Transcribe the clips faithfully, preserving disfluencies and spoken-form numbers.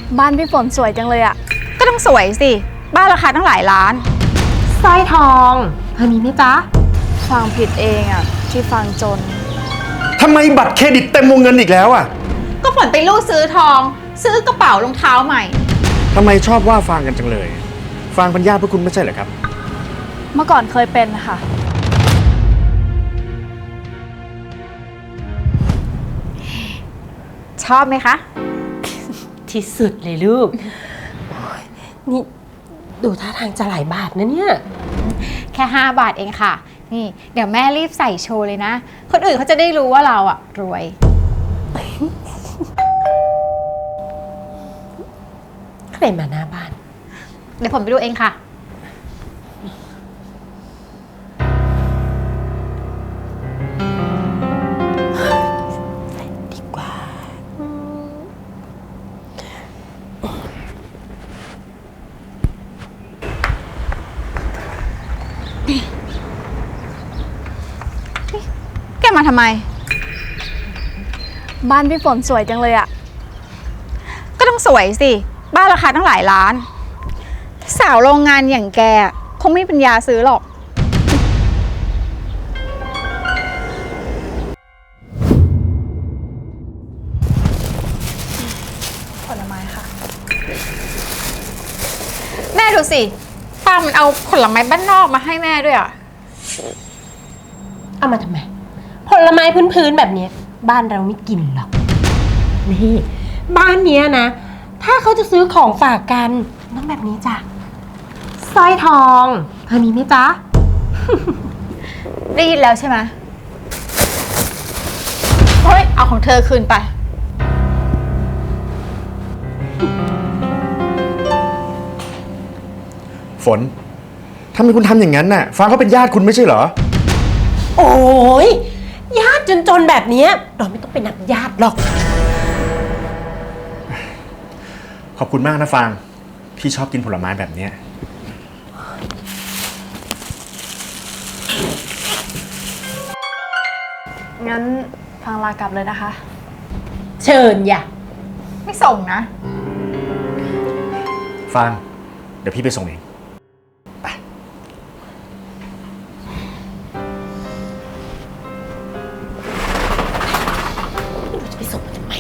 บ้านพี่ฝนสวยจังเลยอะก็ต้องสวยสิบ้านราคาตั้งหลายล้านสร้อยทองเธอมีไหมจ๊ะฟังผิดเองอะที่ฟังจนทำไมบัตรเครดิตเต็มวงเงินอีกแล้วอ่ะก็ฝนไปลู่ซื้อทอง ซื้อกระเป๋ารองเท้าใหม่ทำไมชอบว่าฟางกันจังเลยฟางเป็นญาติพวกคุณไม่ใช่เหรอครับเมื่อก่อนเคยเป็นค่ะชอบไหมคะที่สุดเลยลูกนี่ดูท่าทางจะหลายบาทนะเนี่ยแค่ห้าบาทเองค่ะนี่เดี๋ยวแม่รีบใส่โชว์เลยนะคนอื่นเขาจะได้รู้ว่าเราอะรวยใครมาหน้าบ้านเดี๋ยวผมไปดูเองค่ะดีกว่าแกมาทำไมบ้านพี่ฝนสวยจังเลยอะก็ต้องสวยสิบ้านราคาตั้งหลายล้านสาวโรงงานอย่างแกคงไม่มีปัญญาซื้อหรอกผลไม้ค่ะแม่ดูสิป้ามันเอาผลไม้บ้านนอกมาให้แม่ด้วยอ่ะเอามาทำไมผลไม้พื้นๆแบบนี้บ้านเราไม่กินหรอกนี่บ้านเนี้ยนะถ้าเขาจะซื้อของฝากกันต้องแบบนี้จ้ะสร้อยทองเธอมีไหมจ๊ะได้ยินแล้วใช่ไหมเฮ้ยเอาของเธอคืนไปฝนทำไมคุณทำอย่างนั้นน่ะฟางเขาเป็นญาติคุณไม่ใช่เหรอโอ้ยญาติจนๆแบบนี้เราไม่ต้องเป็นนักญาติหรอกขอบคุณมากนะฟางพี่ชอบกินผลไม้แบบนี้งั้นฟังลากลับเลยนะคะเชิญอย่าไม่ส่งนะฟางเดี๋ยวพี่ไปส่งเองไปจะไปส่งทำไม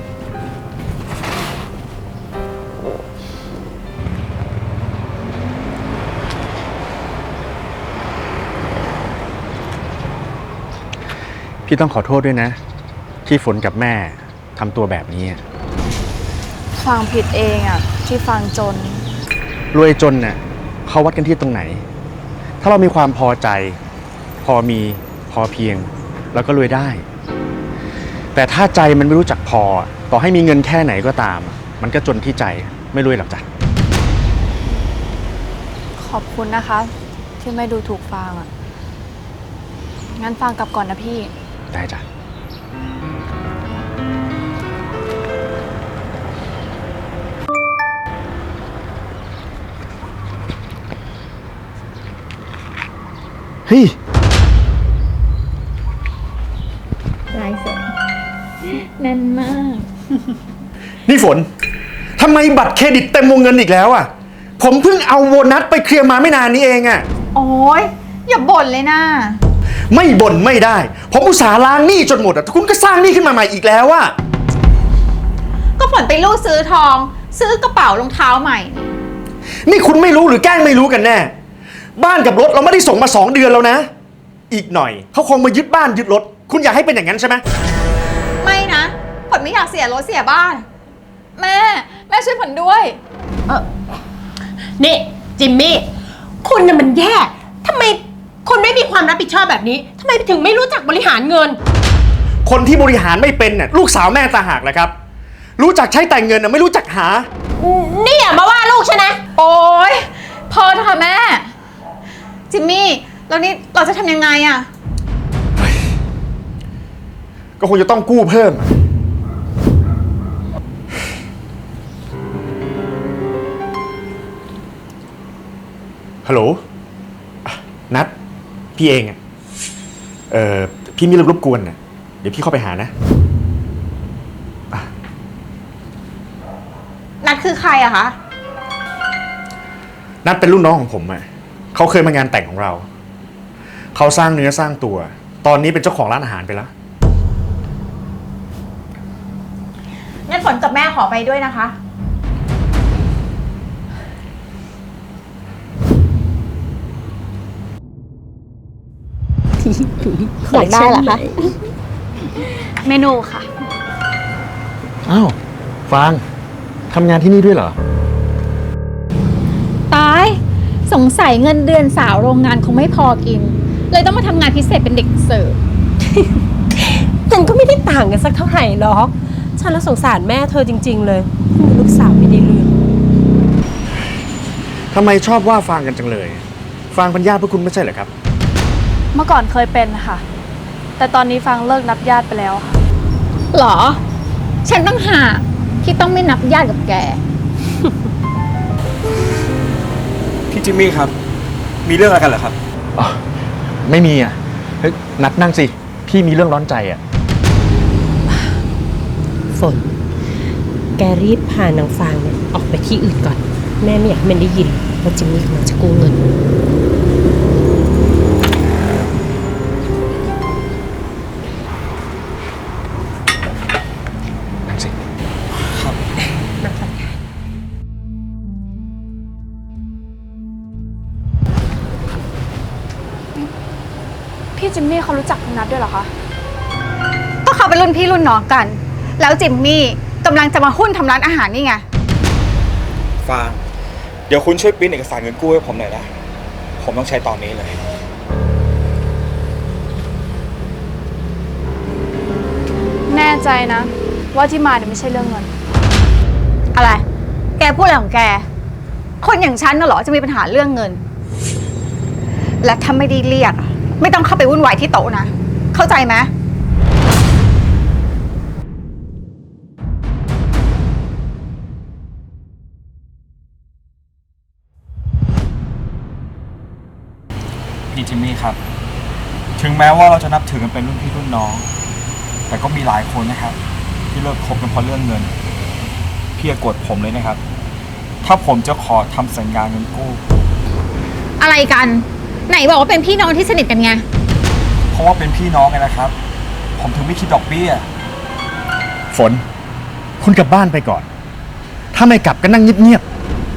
พี่ต้องขอโทษด้วยนะที่ฝนกับแม่ทำตัวแบบนี้ฟังผิดเองอะที่ฟังจนรวยจนเนี่ยเขาวัดกันที่ตรงไหนถ้าเรามีความพอใจพอมีพอเพียงเราก็รวยได้แต่ถ้าใจมันไม่รู้จักพอต่อให้มีเงินแค่ไหนก็ตามมันก็จนที่ใจไม่รวยหรอกจ้ะขอบคุณนะคะที่ไม่ดูถูกฟางอะงั้นฟางกลับก่อนนะพี่ได้จ้ะเฮ้ยลายเซ็นแน่นมากนี่ฝนทำไมบัตรเครดิตเต็มวงเงินอีกแล้วอ่ะผมเพิ่งเอาโบนัสไปเคลียร์มาไม่นานนี้เองอ่ะโอ้ยอย่าบ่นเลยนะไม่บ่นไม่ได้ผมอุตส่าห์ล้างหนี้จนหมดอ่ะคุณก็สร้างหนี้ขึ้นมาใหม่อีกแล้วอ่ะก็ฝนไปลู่ซื้อทอง ซื้อกระเป๋ารองเท้าใหม่นี่คุณไม่รู้หรือแกล้งไม่รู้กันแน่บ้านกับรถเราไม่ได้ส่งมาสองเดือนแล้วนะอีกหน่อยเขาคงมายึดบ้านยึดรถคุณอยากให้เป็นอย่างนั้นใช่ไหมไม่นะฝนไม่อยากเสียรถเสียบ้านแม่แม่ช่วยฝนด้วยเออนี่จิมมี่คุณน่ะมันแย่ทำไมคุณไม่มีความรับผิดชอบแบบนี้ทำไมถึงไม่รู้จักบริหารเงินคนที่บริหารไม่เป็นน่ะลูกสาวแม่ต่างหากแหละครับรู้จักใช้แต่เงินน่ะไม่รู้จักหานี่อย่ามาว่าลูกฉันนะโอ๊ยพอเถอะค่ะแม่จิมมี่แล้วนี่เราจะทำยังไงอะก็คงจะต้องกู้เพิ่มฮัลโหลนัดพี่เองอ่ะเออพี่มีเรื่องรบกวนน่ะเดี๋ยวพี่เข้าไปหานะนัดคือใครอะคะนัดเป็นรุ่นน้องของผมอะเขาเคยมางานแต่งของเรา เขาสร้างเนื้อสร้างตัว ตอนนี้เป็นเจ้าของร้านอาหารไปแล้วงั้นฝนกับแม่ขอไปด้วยนะคะอยากได้เหรอคะเมนูค่ะอ้าวฟางทำงานที่นี่ด้วยเหรอตาย สงสัยเงินเดือนสาวโรงงานคงไม่พอกิน เลยต้องมาทำงานพิเศษเป็นเด็กเสิร์ฟมันก็ไม่ได้ต่างกันสักเท่าไหร่หรอก ฉันละสงสารแม่เธอจริง ๆ เลยมีลูกสาวไม่ได้เรื่องทำไมชอบว่าฟางกันจังเลย ฟางเป็นญาติพวกคุณไม่ใช่เหรอครับเมื่อก่อนเคยเป็นค่ะ แต่ตอนนี้ฟังเลิกนับญาติไปแล้วค่ะหรอ ฉันต้องหากที่ต้องไม่นับญาติกับแกพี่จิมมี่ครับ มีเรื่องอะไรกันเหรอครับอ๋อ ไม่มีอ่ะเฮ้ยนัดนั่งสิ พี่มีเรื่องร้อนใจอ่ะฝน แกรีบพานางฟางเนี่ยออกไปที่อื่นก่อน แม่ไม่อยากให้มันได้ยินว่าจิมมี่กำลังจะกู้เงินนั่งสิพี่จิมมี่เขารู้จักคุณนัทด้วยเหรอคะก็เขาเป็นรุ่นพี่รุ่นน้องกัน แล้วจิมมี่กำลังจะมาหุ้นทำร้านอาหารนี่ไงฟาง เดี๋ยวคุณช่วยปริ้นเอกสารเงินกู้ให้ผมหน่อยนะ ผมต้องใช้ตอนนี้เลยแน่ใจนะ ว่าที่มาเนี่ยไม่ใช่เรื่องเงินอะไร แกพูดอะไรของแก คนอย่างฉันน่ะเหรอจะมีปัญหาเรื่องเงิน และถ้าไม่ได้เรียกอะไม่ต้องเข้าไปวุ่นวายที่โต๊ะนะ เข้าใจไหมพี่จิมมี่ครับ ถึงแม้ว่าเราจะนับถือกันเป็นรุ่นพี่รุ่นน้อง แต่ก็มีหลายคนนะครับ ที่เลิกคบกันเพราะเรื่องเงิน พี่อย่าโกรธผมเลยนะครับ ถ้าผมจะขอทำสัญญาเงินกู้อะไรกัน ไหนบอกว่าเป็นพี่น้องที่สนิทกันไงเพราะว่าเป็นพี่น้องไงนะครับ ผมถึงไม่คิดดอกเบี้ยฝน คุณกลับบ้านไปก่อน ถ้าไม่กลับก็นั่งเงียบ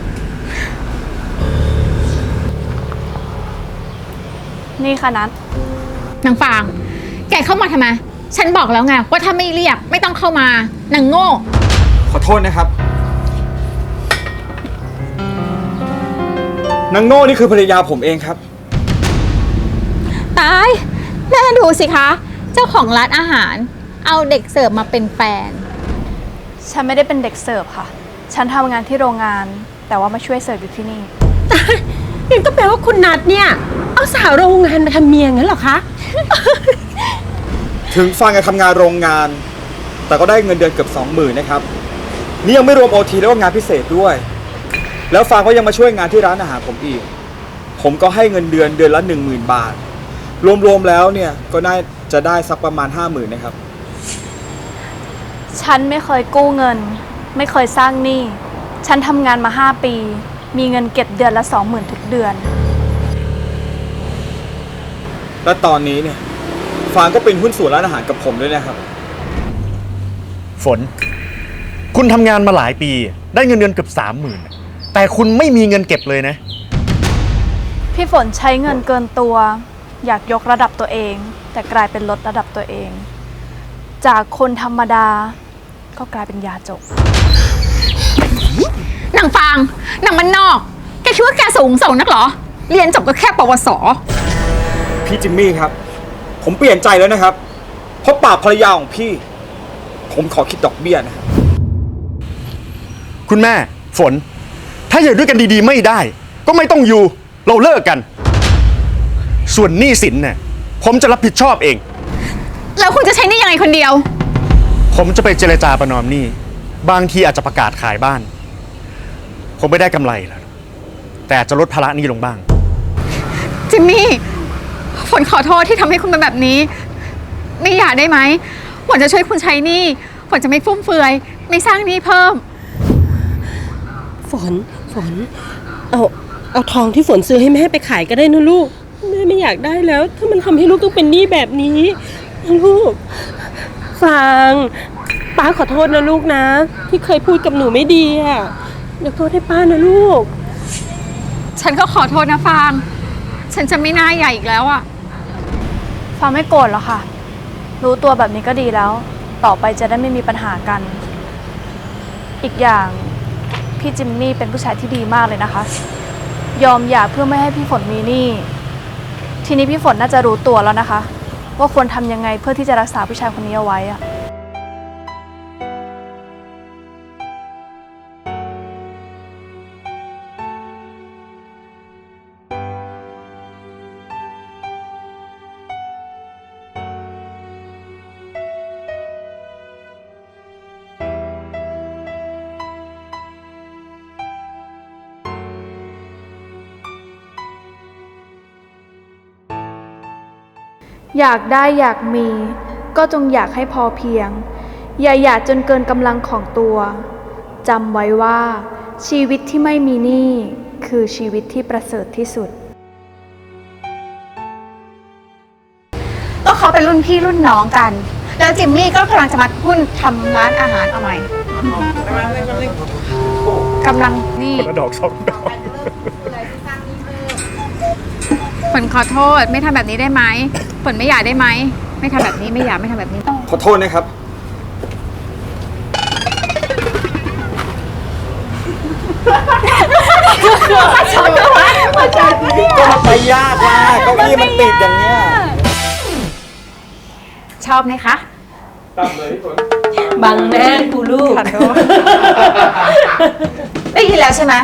นี่ค่ะนัทนางฟาง แกเข้ามาทำไม ฉันบอกแล้วไงว่าถ้าไม่เรียกไม่ต้องเข้ามานางโง่ขอโทษนะครับ นางโง่นี่คือภรรยาผมเองครับตายแม่ดูสิคะ เจ้าของร้านอาหาร เอาเด็กเสิร์ฟมาเป็นแฟนฉันไม่ได้เป็นเด็กเสิร์ฟค่ะ ฉันทำงานที่โรงงาน แต่ว่ามาช่วยเสิร์ฟอยู่ที่นี่งั้นก็แปลว่าคุณนัทเนี่ย เอาสาวโรงงานมาทำเมียงั้นเหรอคะถึงฟังการทำงานโรงงาน แต่ก็ได้เงินเดือนเกือบสองหมื่นนะครับ นี่ยังไม่รวมโอทีแล้วก็งานพิเศษด้วย แล้วฟางก็ยังมาช่วยงานที่ร้านอาหารผมอีก ผมก็ให้เงินเดือนเดือนละหนึ่งหมื่นบาท รวมๆแล้วเนี่ยก็น่าจะได้สักประมาณห้าหมื่นนะครับฉันไม่เคยกู้เงิน ไม่เคยสร้างหนี้ ฉันทำงานมาห้าปี มีเงินเก็บเดือนละสองหมื่นทุกเดือนและตอนนี้เนี่ยฟางก็เป็นหุ้นส่วนร้านอาหารกับผมด้วยนะครับๆ ฝน คุณทำงานมาหลายปี ได้เงินเดือนเกือบสามหมื่นแต่คุณไม่มีเงินเก็บเลยนะพี่ฝนใช้เงินเกินตัว อยากยกระดับตัวเอง แต่กลายเป็นลดระดับตัวเอง จากคนธรรมดา ก็กลายเป็นยาจกนางฟาง นางมันนอก แกคิดว่าแกสูงส่งนักเหรอ เรียนจบก็แค่ปวสพี่จิมมี่ครับ ผมเปลี่ยนใจแล้วนะครับ เพราะปากภรรยาของพี่ ผมขอคิดดอกเบี้ยนะครับคุณแม่ ฝน ถ้าอยู่ด้วยกันดีๆไม่ได้ ก็ไม่ต้องอยู่ เราเลิกกัน ส่วนหนี้สินเนี่ยผมจะรับผิดชอบเองแล้วคุณจะใช้หนี่ยังไงคนเดียวผมจะไปเจรจาประนอมหนี้ บางทีอาจจะประกาศขายบ้าน ผมไม่ได้กำไรแล้ว แต่อาจจะลดภาระหนี้ลงบ้างจิมมี่ ฝนขอโทษที่ทำให้คุณเป็นแบบนี้ ไม่อยากได้ไหมฝนจะช่วยคุณใช้หนี้ฝนจะไม่ฟุ่มเฟือย ไม่สร้างหนี้เพิ่มฝนฝนเอาเอาทองที่ฝนซื้อให้แม่ไปขายก็ได้นะลูกแม่ไม่อยากได้แล้ว ถ้ามันทำให้ลูกต้องเป็นหนี้แบบนี้นะลูกฟังป้าขอโทษนะลูกนะ ที่เคยพูดกับหนูไม่ดีอ่ะยกโทษให้ป้านะลูกฉันก็ขอโทษนะฟาง ฉันจะไม่หน้าใหญ่อีกแล้วอะฟางไม่โกรธหรอกค่ะ รู้ตัวแบบนี้ก็ดีแล้ว ต่อไปจะได้ไม่มีปัญหากัน อีกอย่างพี่จิมมี่เป็นผู้ชายที่ดีมากเลยนะคะ ยอมหย่าเพื่อไม่ให้พี่ฝนมีหนี้ ทีนี้พี่ฝนน่าจะรู้ตัวแล้วนะคะ ว่าควรทำยังไงเพื่อที่จะรักษาผู้ชายคนนี้เอาไว้อะ อยากได้อยากมีก็จงอยากให้พอเพียง อย่าอยากจนเกินกำลังของตัวจำไว้ว่าชีวิตที่ไม่มีหนี้คือชีวิตที่ประเสริฐที่สุดก็เขาเป็นรุ่นพี่รุ่นน้องกัน แล้วจิมมี่ก็กำลังจะมาหุ้นทำร้านอาหารเอาใหม่กำลังนี่คนละดอกสองดอกฝนขอโทษไม่ทำแบบนี้ได้ไหมฝนไม่อยากได้ไหมไม่ทำแบบนี้ไม่อยากไม่ทำแบบนี้ขอโทษนะครับ ก็มันไปยากมากเก้าอี้มันติดอย่างเนี้ยชอบไหมคะตามเลยพี่ฝนบังหน้ากูลูกได้ยินแล้วใช่ไหม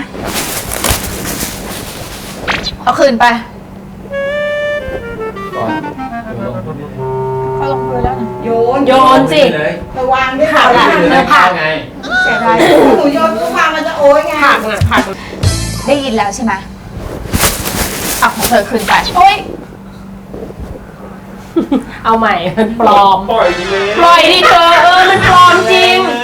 เอาคืนไปเขาลงมือแล้วนะโยนโยนสิระวังด้วยผักอะเนื้อผักไงเสียดายหนูโยนทุกความมันจะโอ้ยไงผักน่ะผักได้ยินแล้วใช่ไหมเอาของเธอคืนไปโอ๊ยเอาใหม่มันปลอมปล่อยดีเลยปล่อยดิเธอเออมันปลอมจริงเลย